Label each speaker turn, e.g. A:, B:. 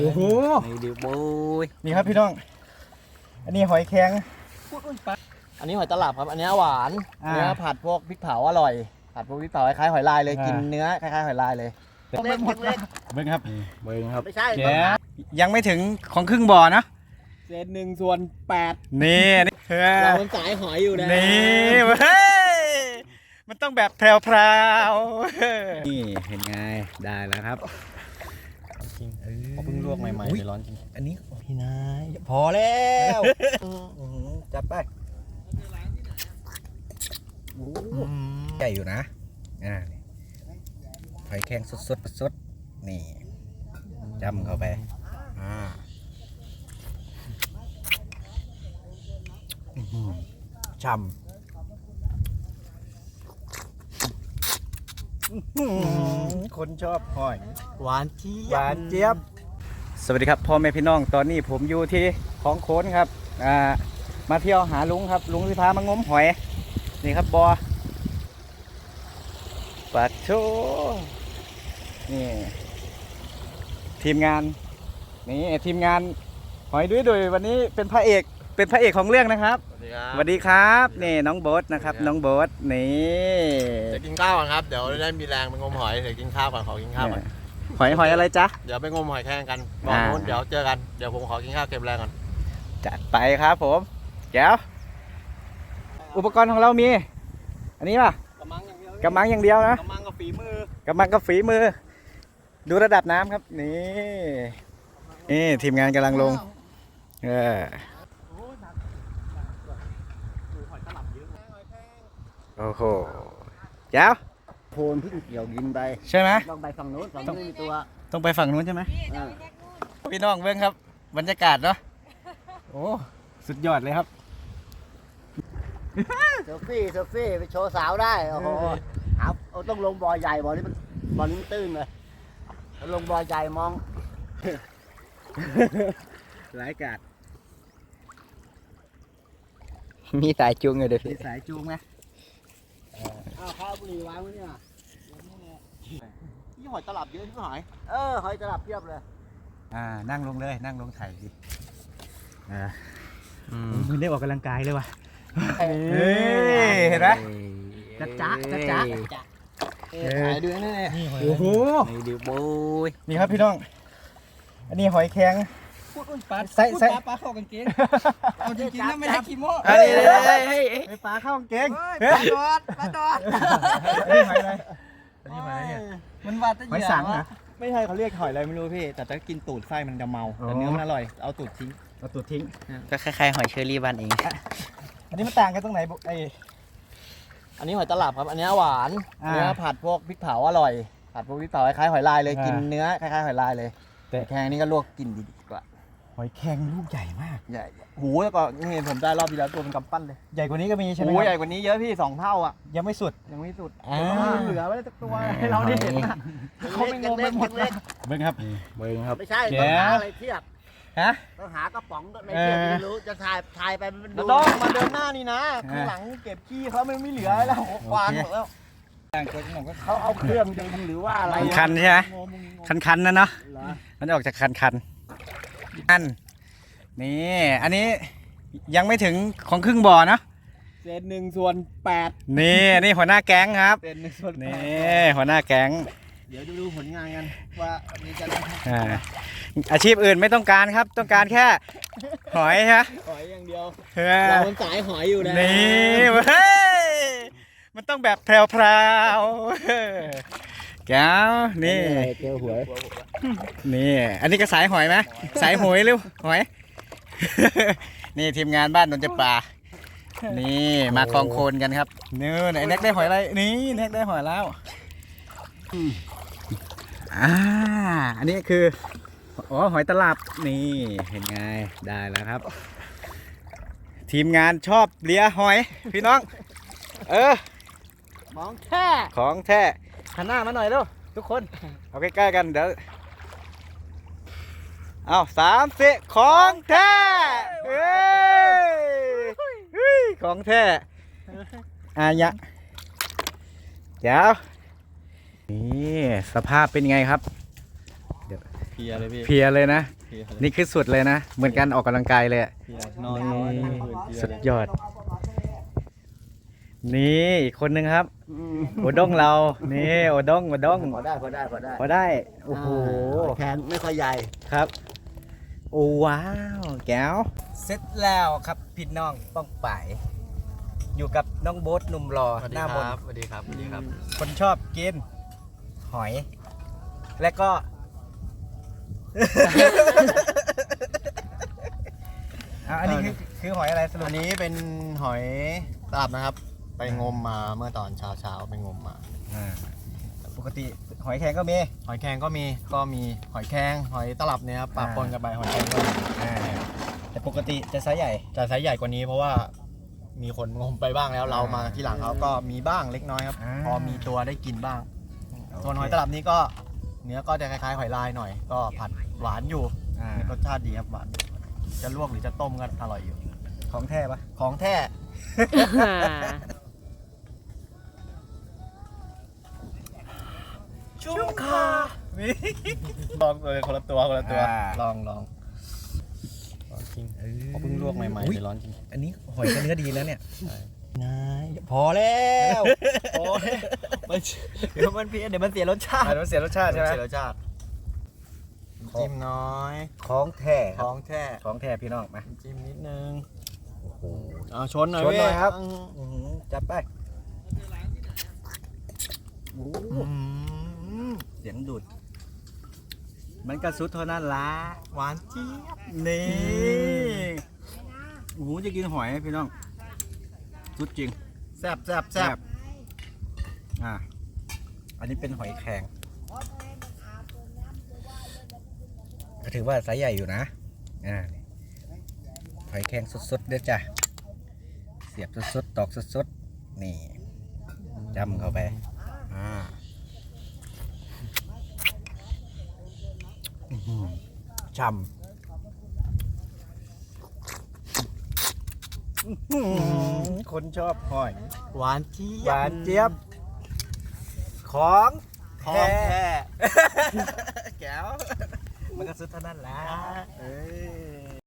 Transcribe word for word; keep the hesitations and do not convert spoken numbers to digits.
A: โอ้โหนี่ดิบุยนี่ครับพี่น้องอันนี้หอยแข็งอันนี้หอยตลับครับอันนี้หวานเนื้อผัดพวกพริกเผาอร่อยผัดพวกพริกเผาคล้ายๆหอยลายเลยกินเนื้อคล้ายๆหอยลายเลยเบิ้งหมดเลยเบิ้งครับเบิ้งครับไม่ใช่ยังไม่ถึงของครึ่งบ่อนะเศษหนึ่งส่วนแปดนี่เราเป็นสายหอยอยู่นะนี่เฮ้ยมันต้องแบบแพรวๆนี่เห็นไงได้แล้วครับเขาเพิ่งลวกใหม่ๆเลยร้อนจริงอันนี้พี่นายพอแล้วจับไปใหญ่อยู่นะอ่าหอยแข็งสดๆสดๆนี่จำเข้าไปอ่าช่ำคนชอบหอยหวานเจี๊ยบหวานเจี๊ยบสวัสดีครับพ่อแม่พี่น้องตอนนี้ผมอยู่ที่คลองโค้นครับอ่ามาเที่ยวหาลุงครับลุงที่พามางมหอยนี่ครับบอปัดโชนี่ทีมงานนี่ทีมงานหอยด้วยโดยวันนี้เป็นพระเอกเป็นพระเอกของเรื่องนะครับสวัสดีครับนี่น้องโบ๊ทนะครับน้องโบ๊ทนี่
B: จะกินข้าวก่อนครับเดี๋ยวได้มีแรงไปงมหอยเดี๋ยวกินข้าวก่อนขอกินข้าวก่อน
A: หอยหอยอะไรจ๊ะ
B: เดี๋ยวไปงมหอยแข่งกันบอกนู้นเดี๋ยวเจอกันเดี๋ยวผมขอกินข้าวเก็บแรงก่อน
A: จัดไปครับผมแก้วอุปกรณ์ของเรามีอันนี้ป่ะกำมังอย่างเดียวนะ
B: กำมังกับฝีมือก
A: ำมังกับฝีมือดูระดับน้ำครับนี่นี่ทีมงานกำลังลงเออโอ้โหแก้ว
B: โพนเพิ่งเกี่ยวดินไป
A: ใช่ไหม
B: ต้องไปฝั่งนู้นฝั่งนู้นมีตัว
A: ต้องไปฝั่งนู้นใช่ไหมพี่น้องเบิ้งครับบรรยากาศเนาะโอ้สุดยอดเลยครับ
B: เซลฟี่เซลฟี่ไปโชว์สาวได้โอ้โหเอาต้องลงบ่อใหญ่บ่อนี้มันบ่อนี้มันตื้นเลยลงบ่อใหญ่มอง
A: หลายกาด
C: มีสายจูงอยู่เดี๋ยว
A: มีสายจูงไหม
B: อ้าวข้าวบุหรี่วางไว้เนี่ยนี่หอยตลับเยอะที่หอยเออหอยตลับเพียบเลย
A: อ่านั่งลงเลยนั่งลงถ่ายดิอ่ามึงได้ออกกำลังกายเลยว่ะเห็นไหมจ๊ะจ๊ะจ๊ะจ๊ะ
B: ถ่ายด้วยนี่
A: โอ้โห
C: นี่ดิบุย
A: นี่ครับพี่น้องอันนี้หอยแข็งใส่ใส่
B: ปลาเข้ากางเกงเอาจริงๆแล้วไม่ได้ขี้โม้
A: เฮ้ยเฮ้ยปลาเข้ากางเกง
B: ปลาดอดปลาดอด
A: นี่หอยอะไรนี่หอยอะไรเนี่ย
B: มันว่าจะ
A: หอยสังนะ
B: ไม่ใช่เขาเรียกหอยอะไรไม่รู้พี่แต่ถ้ากินตูดไส้มันจะเมาแต่เนื้อมันอร่อยเอาตูดทิ้ง
A: เอาตูดทิ้ง
C: ก็คล้ายๆหอยเชอรี่บ้านเอง
A: อันนี้มันต่างกันตรงไหนไอ
B: อันนี้หอยตลับครับอันนี้หวานเนื้อผัดพวกพริกเผาอร่อยผัดพวกพริกเผาคล้ายๆหอยลายเลยกินเนื้อคล้ายๆหอยลายเลยแต่แข็งนี่ก็ลวกกินดีกว่า
A: หอยแข็งลูกใหญ่มาก
B: ใหญ่หูแล้วก็นี่ผมได้รอบที่แล้วตัวเป็นกำปั้นเลย
A: ใหญ่กว่านี้ก็มีใช่ไหม
B: ใหญ่กว่านี้เยอะพี่สองเท่าอ่ะ
A: ยังไม่สุด
B: ยังไม่สุดเหลือไว้สักตัวให้เราได้เห็นเขาไม่งงไปหมดเลย
A: เบิ้งครับเบิ้งครับ
B: ไม่ใช่ต้องหาอะไรเทียบ
A: ฮะ
B: ต้องหากระป๋องในเทียบไม่รู้จะถ่ายถ่ายไปมันดูต้องมาเดินหน้านี่นะข้างหลังเก็บขี้เขาไม่ไม่เหลือแล้ววางหมดแล้วเขาเอาเครื่องดึงหรือว่าอะไร
A: คันใช่ไหมคันคันนั่นเนาะมันออกจากคันคันอันนี่อันนี้ยังไม่ถึงของครึ่งบ่อนะ
B: เศษหนึ่งส่วนแปด
A: นี่นี่หัวหน้าแก๊งครับ
B: เศษหนึ่งส่วนแปด
A: นี่หัวหน้าแก๊ง
B: เดี๋ยวจะดูผลงานกันว่ามีจะ
A: อาชีพอื่นไม่ต้องการครับต้องการแค่หอยฮะ
B: หอยอย่างเดียวเราเป็นสายหอยอยู่นะ
A: นี่เฮ้ยมันต้องแบบแพรวๆแก้วนี่
B: เกลียวหวย
A: นี่อันนี้ก็สายหอยไหมสายหอยหรือหอยนี่ทีมงานบ้านนนจะป่านี่มาคลองโคลนกันครับเนื้อไหนแน็กได้หอยอะไรนี่แน็กได้หอยแล้วอ่าอันนี้คืออ๋อหอยตลับนี่เห็นไงได้แล้วครับทีมงานชอบเลียหอยพี่น้องเออ
B: ของแท้
A: ของแท้หันหน้ามาหน่อยเร็วทุกคนเอาใกล้ๆกันเดี๋ยวเอาสามสี่ของแท้เฮ้ยของแท้อายะเดี๋ยวนี่สภาพเป็นไงครับเดี๋ยวเพลียเลยพี่
D: เพลียเลยนะ
A: เพลียเลย
D: นี่คือสุดเลยนะ เหมือนกันออกกำลังกายเลยอะ
A: เพลียนอนน้อยทั้งคืนเพลีย
D: สุด
A: เลย
D: ยอด นี่อีกคนนึงครับ โอด้งเรา นี่โอด้งโอด้ง
B: พอได้พอได้พอได้
D: พอได้ โอ้โห
B: แขนไม่ค่อยใหญ่
D: ครับ โอ้ว้าว แก้ว เสร็จแล้วครับพี่น้องป้องป่าย อยู่กับน้องโบ๊ทหนุ่มหล่อ
A: สวัส
D: ห
A: ดี
D: น้า
A: ค
D: บ
A: รั
D: น
A: บสวัสดีครับสวัสดีครับ
D: คนชอบกิน หอย และก็ อ่ะอันนี้คือคือหอยอะไรสรุป
A: อันนี้เป็นหอยตลับนะครับ ไปงมมาเมื่อตอนเช้าเช้าๆไปงมมา
D: อ่าปกติหอยแครงก็มี
A: หอยแครงก็มีก็มีหอยแครงหอยตลับเนี่ยครับปะปนกันไปหอยแครงก็มี
D: อ่าแต่ปกติจะไซส์ใหญ่
A: จะไซส์ใหญ่กว่านี้เพราะว่ามีคนงมไปบ้างแล้วเรามาที่หลังเขาก็มีบ้างเล็กน้อยครับ
D: อ่า
A: พอมีตัวได้กินบ้าง
D: โอเค
A: ส่วนหอยตลับนี้ก็เนื้อก็จะคล้ายๆหอยลายหน่อย ก็ผัดหวานอยู่
D: อ่าร
A: สชาติดีครับหวานจะลวกหรือจะต้มก็อร่อยอยู่
D: ของแท้ปะ
A: ของแท้ชุ่มคาลองเลยคนละตัวคนละตัวลองลองลองจริงเขาเพิ่งลวกใหม่ๆเลยร้อนจริง
D: อันนี้หอยก็เนื้อดีแล้วเนี่ย
A: นายพอแล้วพอแล้วไม่เดี๋ยวมันเพี้ยนเดี๋ยวมันเสียรสชาติ
D: อ่ามันเสียรสชาติใช่ไหม
A: เสียรสชาติจิ้มน้อย
D: ของแท้
A: ของแท้
D: ของแท้พี่น้องมา
A: จิ้มนิดนึง
D: โอ้โห
A: เอาชนหน่อย
D: ชนหน่อย
A: เว้
D: ครับ
A: อืม
D: อื้อหือจัดไปโอ้โห
A: อืม
D: เสียงดูด มันกระสุดเท่านั้นละ
A: หวานเจี๊ยบ
D: นี่โอ้โหจะกินหอยพี่น้องสุดจริง
A: แซ่บแซ่บแซ่บ
D: อ่า อันนี้เป็นหอยแครงก็ถือว่าไซส์ใหญ่อยู่นะ อ่านี่หอยแครงสดๆเด้อจ้ะ เสียบสดๆตอกสดๆนี่จำเข้าไป อ่าอื้อหือช่ำอื้อหือคนชอบหอย
A: หวานเจี๊ยบ
D: หวานเจี๊ยบ ของ
A: ของแท้
D: แก้ว มันก็สุดเท่านั้นแหละเอ้ย